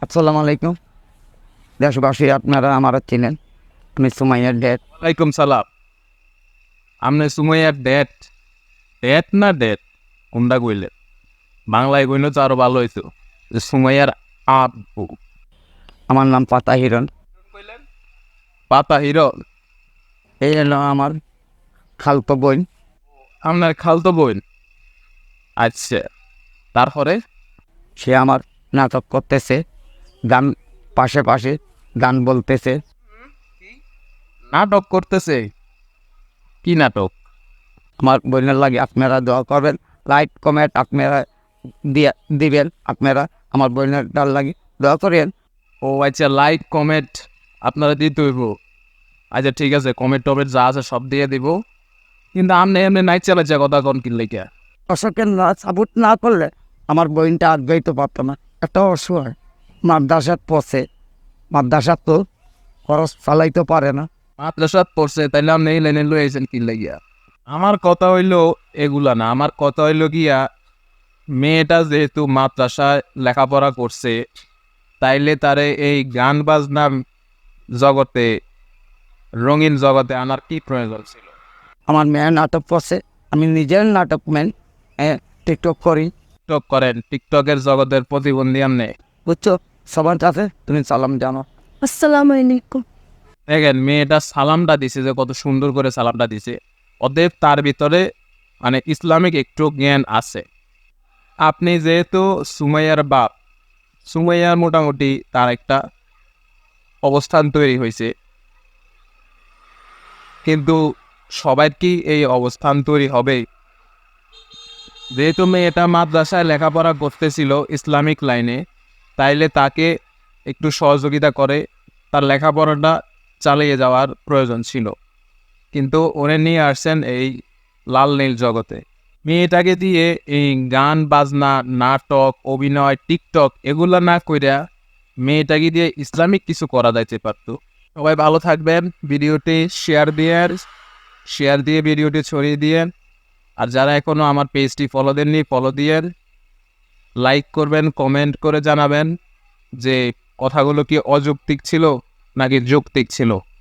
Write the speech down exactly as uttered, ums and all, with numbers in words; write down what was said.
আসসালামু আলাইকুম দেশবাসী, আপনারা আমারা চিনেন। আমি সুমাইয়ার ড্যাড। ওয়ালাইকুম সালাম। আপনি সুমাইয়ার ডেট ডেট না ডেট কোনটা কইলেন? বাংলায় কইলে তো আরো ভালো হইতো যে সুমাইয়ার আব্বু। আমার নাম পাতা হিরণ। পাতা হিরো এই হলো আমার খালতো বোন। আপনার খালতো বোন। আচ্ছা, তারপরে সে আমার নাটক করতেছে, গান পাশে পাশে গান বলতেছে। নাটক করতেছে। কি নাটক? আমার বোনের লাগে আপনারা দোয়া করবেন, লাইক কমেন্ট আপনারা দিয়া দিবেন। আপনারা আমার বোনের ডাল লাগে দোয়া করেন। ও আচ্ছা, লাইক কমেন্ট আপনারা দিতে হইব। আচ্ছা ঠিক আছে, কমেন্ট টমেন্ট যা আছে সব দিয়ে দিব। কিন্তু আপনি এমনি নাইট চালাচ্ছে কথা কোন কিনলে কে? দর্শকের না সাপোর্ট না করলে আমার বোনটা আর গাইতে পারতো না। একটা অসহায় মাদ্রাসাত পড়ছে, মাদ্রাসাত তো খরচ চালাইতে পারে না। মাদ্রাসাত পড়ছে, তাইলে আপনি এই লাইনে লই আইছেন কিনলে গিয়া? আমার কথা হইলো এগুলা না, আমার কথা হইলো গিয়া মেয়েটা যেহেতু মাদ্রাসায় লেখাপড়া করছে, তাইলে তারে এই গান বাজনা জগতে, রঙিন জগতে আনার কি প্রয়োজন ছিল? আমার মেয়ে নাটক করছে, আমি নিজের নাটক ম্যান, টিকটক করি। টিকটক করেন, টিকটকের জগতের প্রতিবন্ধী আমনে। বুঝছো, সবার কাছে তুমি সালাম জানো। আসসালামু আলাইকুম। দেখেন মেয়েটা সালামটা দিছে, যে কত সুন্দর করে সালামটা দিছে। অতএব তার ভিতরে মানে ইসলামিক একটু জ্ঞান আছে। আপনি যেহেতু সুমাইয়ার বাপ, সুমাইয়ার মোটামুটি তার একটা অবস্থান তৈরি হয়েছে, কিন্তু সবার কি এই অবস্থান তৈরি হবে? যেহেতু মেয়েটা মাদ্রাসায় লেখাপড়া করতেছিল ইসলামিক লাইনে, তাইলে তাকে একটু সহযোগিতা করে তার লেখাপড়াটা চালিয়ে যাওয়ার প্রয়োজন ছিল। কিন্তু ওরে নিয়ে আসছেন এই লাল নীল জগতে। মেয়েটাকে দিয়ে এই গান বাজনা, নাটক, অভিনয়, টিকটক এগুলো না কইরা মেয়েটাকে দিয়ে ইসলামিক কিছু করা যাইতে পারতো। সবাই ভালো থাকবেন। ভিডিওটি শেয়ার দিয়ে শেয়ার দিয়ে ভিডিওটি ছড়িয়ে দিয়েন। আর যারা এখনও আমার পেজটি ফলো দেননি, ফলো দিয়েন, লাইক করবেন, কমেন্ট করে জানাবেন যে কথাগুলো কি অযৌক্তিক ছিল নাকি যৌক্তিক ছিল।